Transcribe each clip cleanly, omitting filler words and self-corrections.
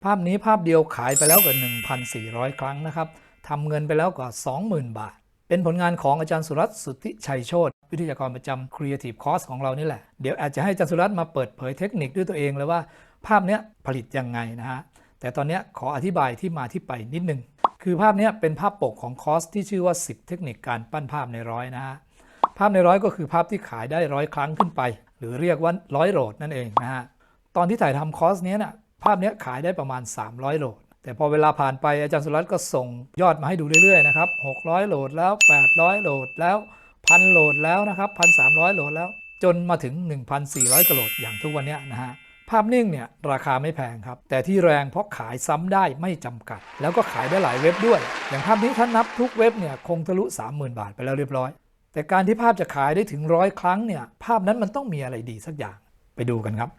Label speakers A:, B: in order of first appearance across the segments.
A: ภาพนี้ภาพเดียวขายไปแล้วกว่า 1,400 ครั้งนะครับทำเงินไปแล้วกว่า 20,000 บาทเป็นผลงานของอาจารย์สุรัตน์ สุทธิชัยโชติวิทยากรประจำ Creative Course ของเรานี่แหละเดี๋ยวอาจจะให้อาจารย์สุรัตน์มาเปิดเผยเทคนิคด้วยตัวเองเลยว่าภาพนี้ผลิตยังไงนะฮะแต่ตอนนี้ขออธิบายที่มาที่ไปนิดนึงคือภาพนี้เป็นภาพปกของคอร์สที่ชื่อว่า10เทคนิคการปั้นภาพในร้อยนะฮะภาพในร้อยก็คือภาพที่ขายได้100 ครั้งขึ้นไปหรือเรียกว่า100 โหลดนั่นเองนะฮะตอนที่ถ่ายทำคอร์สนี้นะภาพนี้ขายได้ประมาณ300 โหลดแต่พอเวลาผ่านไปอาจารย์สุรัตน์ก็ส่งยอดมาให้ดูเรื่อยๆนะครับ600 โหลดแล้ว800 โหลดแล้ว1,000 โหลดแล้วนะครับ1,300 โหลดแล้วจนมาถึง 1,400 กว่าโหลดอย่างทุกวันนี้นะฮะภาพนิ่งเนี่ยราคาไม่แพงครับแต่ที่แรงเพราะขายซ้ำได้ไม่จำกัดแล้วก็ขายได้หลายเว็บด้วยอย่างภาพนี้ถ้านับทุกเว็บเนี่ยคงทะลุ 30,000 บาทไปแล้วเรียบร้อยแต่การที่ภาพจะขายได้ถึง100 ครั้งเนี่ยภาพนั้นมันต้องมีอะไรดีสักอย่างไปดูกันครับ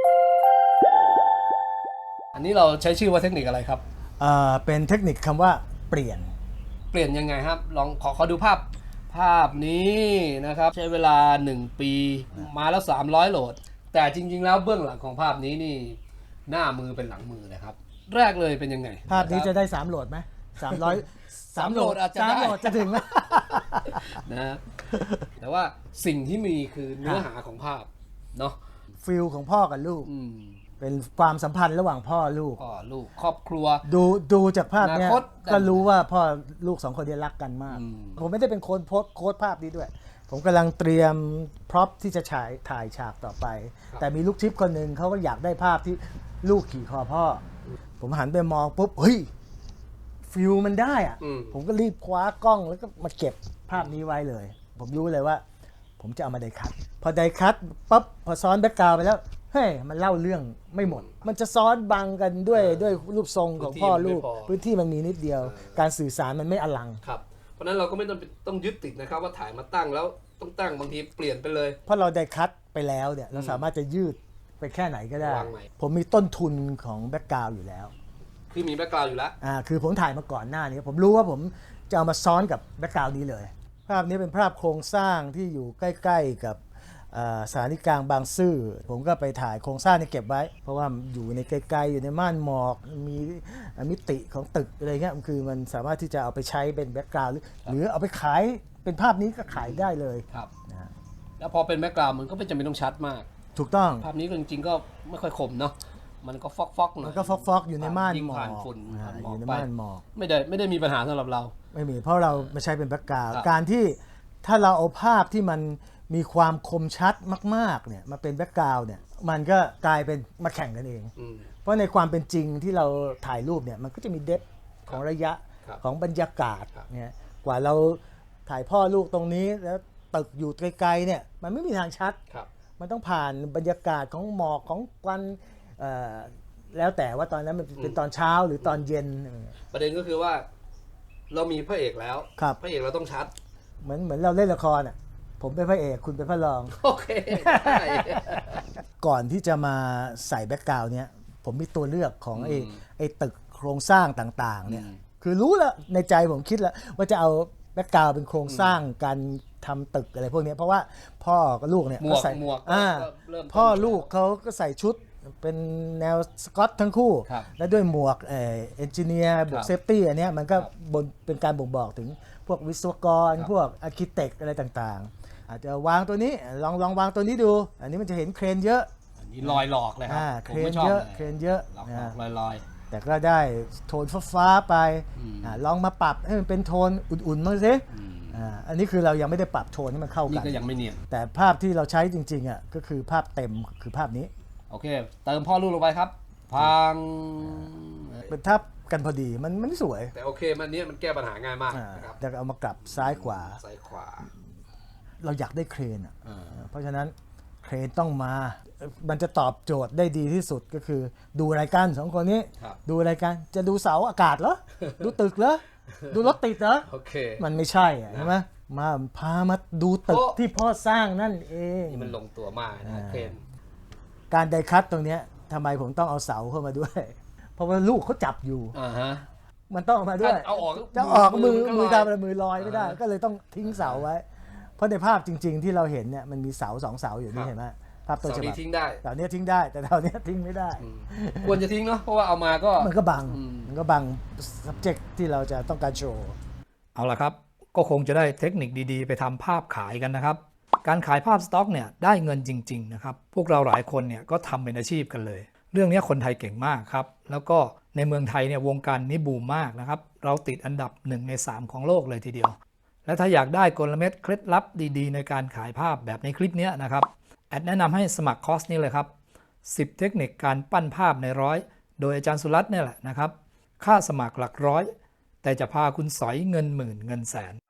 A: อันนี้เราใช้ชื่อว่าเทคนิคอะไรครับ
B: เป็นเทคนิคคำว่าเปลี่ยน
A: ยังไงครับลองขอดูภาพนี้นะครับใช้เวลา1 ปีมาแล้ว300 โหลดแต่จริงๆแล้วเบื้องหลังของภาพนี้นี่หน้ามือเป็นหลังมือนะครับแรกเลยเป็นยังไง
B: ภาพนี้จะได้3โหลดไหม300 3โหลด
A: อาจจะได้
B: 3โหลดจะถึงไหม
A: นะแต่ว่าสิ่งที่มีคือเนื้อหาของภาพเนาะ
B: ฟิลของพ่อกับลูกเป็นความสัมพันธ์ระหว่างพ่อลูก
A: ครอบครัว
B: ดูจากภาพนี้ก็รู้ว่าพ่อลูก2 คนนี้รักกันมากผมไม่ได้เป็นคนโพสต์ภาพนี้ด้วยผมกำลังเตรียมพร็อพที่จะถ่ายฉากต่อไปแต่มีลูกทิพย์คนหนึ่งเขาก็อยากได้ภาพที่ลูกขี่คอพ่อผมหันไปมองปุ๊บเฮ้ยฟิลมันได้อะผมก็รีบคว้ากล้องแล้วก็มาเก็บภาพนี้ไว้เลยผมรู้เลยว่าผมจะเอามาไดคัทพอไดคัทปั๊บพอซ้อนแบ็คกราวด์ไปแล้วเฮ้ยมันเล่าเรื่องไม่หมดมันจะซ้อนบังกันด้วยรูปทรงของพ่อลูกพื้นที่มันมีนิดเดียวการสื่อสารมันไม่อลัง
A: ครับเพราะนั้นเราก็ไม่ต้องยึดติดนะครับว่าถ่ายมาตั้งแล้วต้องตั้งบางทีเปลี่ยนไปเลย
B: เพราะเราไดคัทไปแล้วเนี่ยเราสามารถจะยืดไปแค่ไหนก็ได้ผมมีต้นทุนของแบ็คกราวด์อยู่แล้ว
A: คือมีแบ็คกราวด์อยู่แล้ว
B: คือผมถ่ายมาก่อนหน้านี้ผมรู้ว่าผมจะเอามาซ้อนกับแบ็คกราวด์นี้เลยภาพนี้เป็นภาพโครงสร้างที่อยู่ใกล้ๆกับสถานีกลางบางซื่อผมก็ไปถ่ายโครงสร้างนี้เก็บไว้เพราะว่าอยู่ในไกลๆอยู่ในม่านหมอกมีมิติของตึกอะไรเงี้ยคือมันสามารถที่จะเอาไปใช้เป็นแบ็คกราวด์หรือเอาไปขายเป็นภาพนี้ก็ขายได้เลย
A: ครับนะแล้วพอเป็นแบ็คกราวด์มันก็ไม่จำเป็นต้องชัดมาก
B: ถูกต้อง
A: ภาพนี้จริงๆก็ไม่ค่อยคมเนาะมันก็ฟอกๆหน่อย
B: มันก็ฟอกๆอยู่ในม่านหมอก
A: อยู่
B: ในม่านหมอก
A: ไม่ได้มีปัญหาสำหรับเรา
B: ไม่มีเพราะเราไม่ใช้เป็นแบ็คกราวด์การที่ถ้าเราเอาภาพที่มันมีความคมชัดมากๆเนี่ยมาเป็นแบ็คกราวด์เนี่ยมันก็กลายเป็นมาแข่งกันเองเพราะในความเป็นจริงที่เราถ่ายรูปเนี่ยมันก็จะมีเดปของระยะของบรรยากาศเนี่ยกว่าเราถ่ายพ่อลูกตรงนี้แล้วตึกอยู่ไกลๆเนี่ยมันไม่มีทางชัดมันต้องผ่านบรรยากาศของหมอกของควันแล้วแต่ว่าตอนนั้นมันเป็นตอนเช้าหรือตอนเย็น
A: ประเด็นก็คือว่าเรามีพระเอกแล้วพระเอกเราต้องชัด
B: เหมือนเราเล่นละครอ่ะผมเป็นพระเอกคุณเป็นพระรอง
A: โอเค
B: ก่อนที่จะมาใส่แบ็คกราวด์เนี้ยผมมีตัวเลือกของไอ้ตึกโครงสร้างต่างๆเนี่ยคือรู้แล้วในใจผมคิดแล้วว่าจะเอาแบ็คกราวด์เป็นโครงสร้างการทำตึกอะไรพวกนี้เพราะว่าพ่อกับลูกเนี่ย
A: ก็ใส่หมวก
B: พ่อลูกเขาก็ใส่ชุดเป็นแนวสกอตทั้งคู่และด้วยหมวกเอนจิเนียร์บวกเซฟตี้อันนี้มันก็เป็นการบ่งบอกถึงพวกวิศวกรพวกอาร์คิเทคอะไรต่างๆอาจจะวางตัวนี้ลองวางตัวนี้ดูอันนี้มันจะเห็นเครนเยอะ
A: อันนี้ลอยหลอกเลยครับ
B: เครนเยอะ
A: ลอย
B: แต่ก็ได้โทนฟ้าไปลองมาปรับให้มันเป็นโทนอุ่นๆมั้งสิอันนี้คือเรายังไม่ได้ปรับโทนให้มันเข้ากัน
A: นี่ก็ยังไม่เนียน
B: แต่ภาพที่เราใช้จริงๆอ่ะก็คือภาพเต็มคือภาพนี้
A: โอเคเติมพ่อลูกลงไปครับพัง
B: เป็นทับกันพอดีมันไม่สวย
A: แต่โอเคมันนี้มันแก้ปัญหาง่ายมาก
B: นะครับแต่เอามากลับซ้ายขวาเราอยากได้เครนเพราะฉะนั้นเครนต้องมามันจะตอบโจทย์ได้ดีที่สุดก็คือดูรายการ2 คนนี้ดูรายการจะดูเสาอากาศเหรอดูตึกเหรอดูรถติดเหรอมันไม่ใช่ใช่ไหมพามาดูตึกที่พ่อสร้างนั่นเอง
A: นี่มันลงตัวมากนะเครน
B: การไดคัตตรงนี้ทำไมผมต้องเอาเสาเข้ามาด้วยเพราะว่าลูกเขาจับอยู่มันต้องมาด้วยจะออกมือทำอะไรมือลอยไม่ได้ก็เลยต้องทิ้งเสาไว้เพราะในภาพจริงๆที่เราเห็นเนี่ยมันมีเสา2 เสาอยู่นี่เห็นไหมภาพต้น
C: เสา
B: ฉ
C: นี้
B: บับ
C: ทิ้งได้
B: เสาเนี้ยทิ้งได้แต่เสาเนี้ยทิ้งไม่ได้
C: ควรจะทิ้งเนาะเพราะว่าเอามาก็
B: มันก็บัง
C: อืม
B: มันก็บัง subject ที่เราจะต้องการโชว์
A: เอาละครับก็คงจะได้เทคนิคดีๆ ไปทำภาพขายกันนะครับการขายภาพสต็อกเนี่ยได้เงินจริงๆนะครับพวกเราหลายคนเนี่ยก็ทำเป็นอาชีพกันเลย เรื่องนี้คนไทยเก่งมากครับแล้วก็ในเมืองไทยเนี่ยวงการนี้บูมมากนะครับเราติดอันดับ1 ใน 3ของโลกเลยทีเดียวและถ้าอยากได้กลเม็ดเคล็ดลับดีๆในการขายภาพแบบในคลิปนี้นะครับแอดแนะนำให้สมัครคอร์สนี้เลยครับ10 เทคนิคการปั้นภาพในร้อยโดยอาจารย์สุรัตน์เนี่ยแหละนะครับค่าสมัครหลักร้อยแต่จะพาคุณสอยเงินหมื่นเงินแสน